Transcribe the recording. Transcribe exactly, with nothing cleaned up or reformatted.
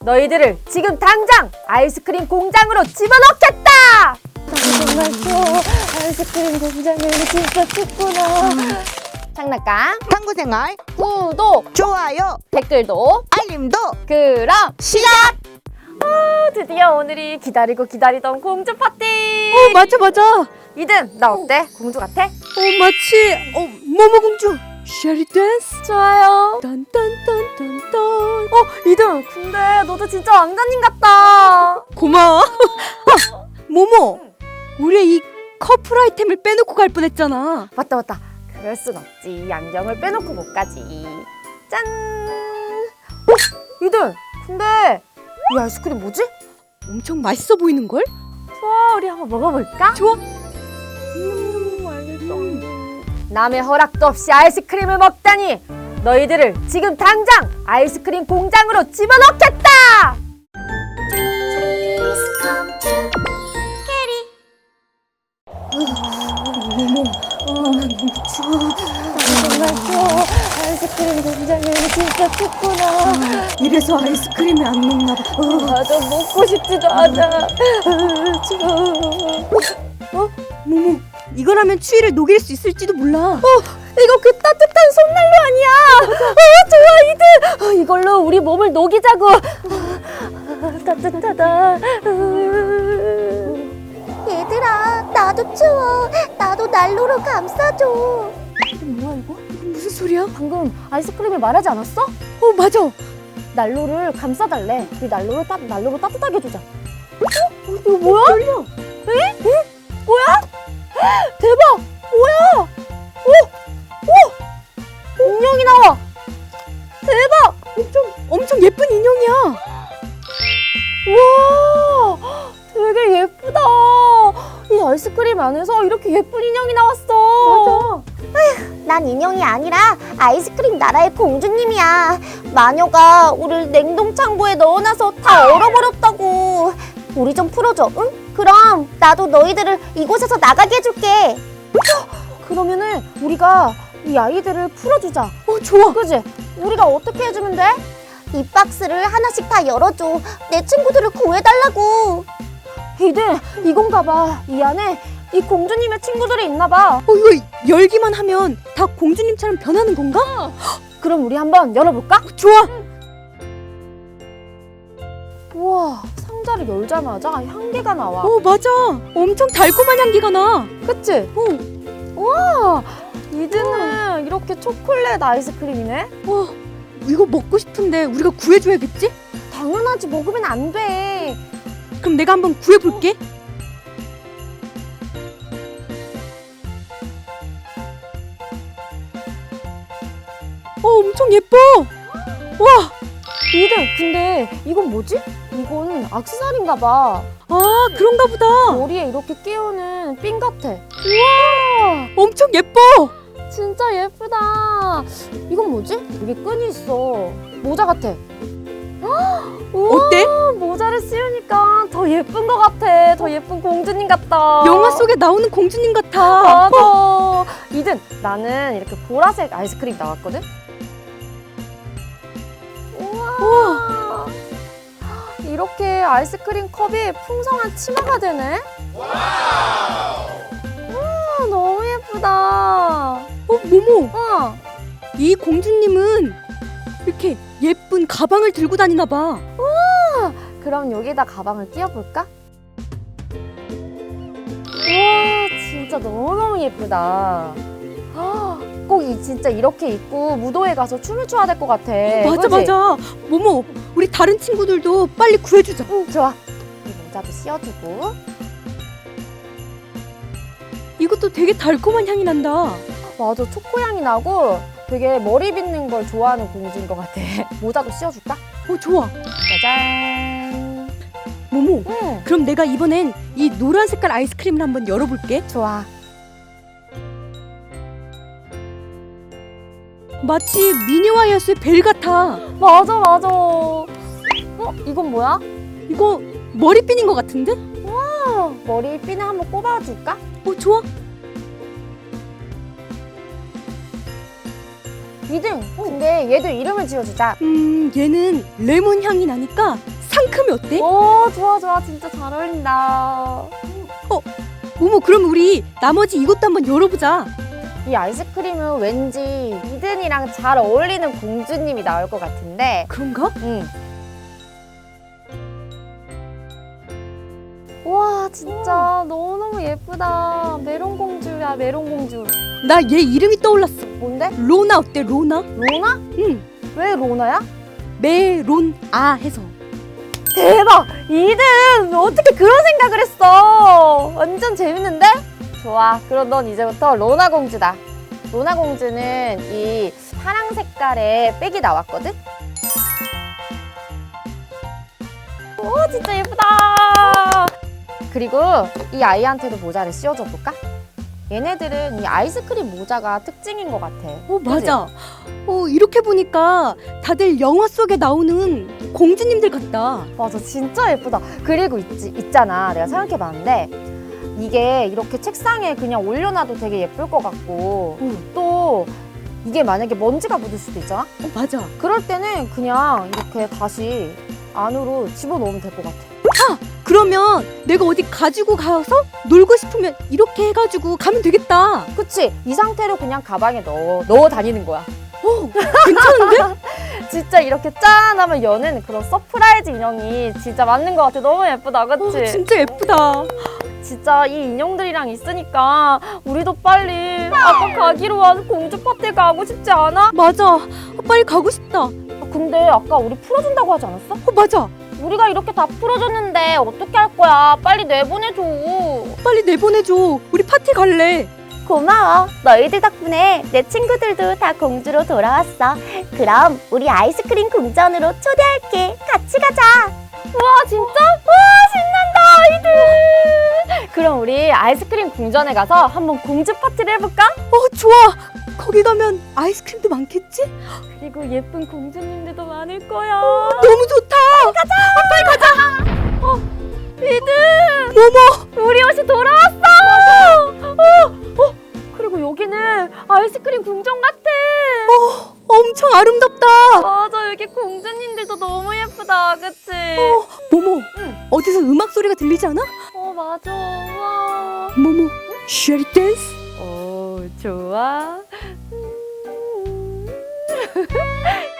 너희들을 지금 당장 아이스크림 공장으로 집어넣겠다! 정말 또 아이스크림 공장을 진짜 춥구나. 장난감, 탐구생활 구독, 좋아요 댓글도, 알림도 그럼 시작! 어, 드디어 오늘이 기다리고 기다리던 공주 파티! 어 맞아 맞아. 이든 나 어때? 공주 같아? 어 마치 어 모모공주 쉐리 댄스. 좋아요. 딴딴딴딴딴. 어, 이든 근데 너도 진짜 왕자님 같다. 고마워. 아, 모모, 우리 이 커플 아이템을 빼놓고 갈 뻔했잖아. 맞다 맞다. 그럴 순 없지. 안경을 빼놓고 못 가지. 짠. 어, 이든 근데 이 아이스크림 뭐지? 엄청 맛있어 보이는 걸? 좋아, 우리 한번 먹어볼까? 좋아. 음, 알겠어. 남의 허락도 없이 아이스크림을 먹다니 너희들을 지금 당장 아이스크림 공장으로 집어넣겠다! 모모, 어, 너무 추워. 정말 추워. 아이스크림 공장은 진짜 춥구나. 이래서 아이스크림이 안 녹나 봐. 어. 맞아, 먹고 싶지도 않아. 추워. 어? 모모, 이거라면 추위를 녹일 수 있을지도 몰라. 어, 이거 그 따뜻한 손난로 아니야? 어, 좋아, 이들. 어, 이걸로 우리 몸을 녹이자고. 아, 따뜻하다. 얘들아, 나도 추워. 나도 난로로 감싸줘. 뭐야 이거? 무슨 소리야? 방금 아이스크림을 말하지 않았어? 어 맞아. 난로를 감싸달래. 그 난로를 따, 난로로 따뜻하게 해주자. 어? 이거 뭐야? 떨려. 에? 에? 뭐야? 대박! 뭐야? 오! 오! 인형이 나와! 대박! 엄청 엄청 예쁜 인형이야. 우와! 되게 예쁘다. 이 아이스크림 안에서 이렇게 예쁜 인형이 나왔어. 맞아. 난 인형이 아니라 아이스크림 나라의 공주님이야. 마녀가 우릴 냉동창고에 넣어놔서 다 얼어버렸다고. 우리 좀 풀어줘, 응? 그럼 나도 너희들을 이곳에서 나가게 해줄게. 그러면은 우리가 이 아이들을 풀어주자. 어 좋아. 그지? 우리가 어떻게 해주면 돼? 이 박스를 하나씩 다 열어줘. 내 친구들을 구해달라고. 이들 이건가 봐. 이 안에 이 공주님의 친구들이 있나 봐. 어 이거 열기만 하면 다 공주님처럼 변하는 건가? 그럼 우리 한번 열어볼까? 좋아. 우와, 상자를 열자마자 향기가 나와. 어 맞아. 엄청 달콤한 향기가 나. 그치? 어. 우와, 이드는 이렇게 초콜릿 아이스크림이네? 와 이거 먹고 싶은데 우리가 구해줘야겠지? 당연하지, 먹으면 안 돼. 그럼 내가 한번 구해볼게. 어 엄청 예뻐. 와. 이드, 근데 이건 뭐지? 이건 액세서리인가 봐. 아 그런가 보다. 머리에 이렇게 끼우는 핀 같아. 우와, 엄청 예뻐. 진짜 예쁘다. 이건 뭐지? 여기 끈이 있어. 모자 같아. 우와, 어때? 모자를 씌우니까 더 예쁜 것 같아. 더 예쁜 공주님 같다. 영화 속에 나오는 공주님 같아. 맞아. 이든 나는 이렇게 보라색 아이스크림 나왔거든. 우와. 이렇게 아이스크림 컵이 풍성한 치마가 되네. 우와, 너무 예쁘다. 어 모모. 어. 이 공주님은 이렇게 예쁜 가방을 들고 다니나 봐. 그럼 여기다 가방을 끼워볼까? 우와, 진짜 너무너무 예쁘다. 꼭 이, 진짜 이렇게 입고 무도회 가서 춤을 춰야 될 것 같아. 맞아 그치? 맞아. 모모 우리 다른 친구들도 빨리 구해주자. 응, 좋아. 이 모자도 씌워주고. 이것도 되게 달콤한 향이 난다. 맞아, 초코향이 나고 되게 머리 빗는 걸 좋아하는 공주인 것 같아. 모자도 씌워줄까? 어 좋아. 짜잔. 모모 응, 그럼 내가 이번엔 이 노란 색깔 아이스크림을 한번 열어볼게. 좋아. 마치 미니와이어스의 벨 같아. 맞아, 맞아. 어? 이건 뭐야? 이거 머리핀인 것 같은데? 어, 머리 핀을 한번 꼽아줄까? 어 좋아. 이등. 근데 얘도 이름을 지어주자. 음 얘는 레몬 향이 나니까 상큼이 어때? 오, 좋아, 좋아. 진짜 잘 어울린다. 모모, 그럼 우리 나머지 이것도 한번 열어보자. 이 아이스크림은 왠지 이든이랑 잘 어울리는 공주님이 나올 것 같은데. 그런가? 응. 와, 진짜 너무너무 예쁘다. 메론 공주야, 메론 공주. 나 얘 이름이 떠올랐어. 뭔데? 로나 어때, 로나? 로나? 응. 왜 로나야? 메론아 해서. 대박! 이든 어떻게 그런 생각을 했어? 완전 재밌는데? 좋아. 그럼 넌 이제부터 로나 공주다. 로나 공주는 이 파랑 색깔의 백이 나왔거든? 오, 진짜 예쁘다! 그리고 이 아이한테도 모자를 씌워줘 볼까? 얘네들은 이 아이스크림 모자가 특징인 것 같아. 어, 맞아. 어, 이렇게 보니까 다들 영화 속에 나오는 공주님들 같다. 맞아, 진짜 예쁘다. 그리고 있지, 있잖아. 내가 생각해봤는데 이게 이렇게 책상에 그냥 올려놔도 되게 예쁠 것 같고 응. 또 이게 만약에 먼지가 묻을 수도 있잖아? 어, 맞아. 그럴 때는 그냥 이렇게 다시 안으로 집어넣으면 될 것 같아. 그러면 내가 어디 가지고 가서 놀고 싶으면 이렇게 해가지고 가면 되겠다. 그치? 이 상태로 그냥 가방에 넣어, 넣어 다니는 거야. 어, 괜찮은데? 진짜 이렇게 짠 하면 여는 그런 서프라이즈 인형이 진짜 맞는 것 같아. 너무 예쁘다, 그치? 어, 진짜 예쁘다. 진짜 이 인형들이랑 있으니까 우리도 빨리 아까 가기로 한 공주 파티 가고 싶지 않아? 맞아. 어, 빨리 가고 싶다. 어, 아, 근데 아까 우리 풀어준다고 하지 않았어? 맞아. 우리가 이렇게 다 풀어줬는데 어떻게 할 거야? 빨리 내보내줘. 빨리 내보내줘. 우리 파티 갈래. 고마워. 너희들 덕분에 내 친구들도 다 공주로 돌아왔어. 그럼 우리 아이스크림 궁전으로 초대할게. 같이 가자. 와, 진짜? 와, 신난다, 아이들. 그럼 우리 아이스크림 궁전에 가서 한번 공주 파티를 해볼까? 어, 좋아. 거기 가면 아이스크림도 많겠지? 그리고 예쁜 공주님들도 많을 거야. 너무 좋다. 어, 이든 모모. 우리 옷이 돌아왔어. 어, 어, 그리고 여기는 아이스크림 궁전 같아. 어, 엄청 아름답다. 맞아, 여기 공주님들도 너무 예쁘다, 그치? 어, 모모. 응. 어디서 음악 소리가 들리지 않아? 어, 맞아. 와. 모모. 쉐리 댄스? 오, 좋아. 음.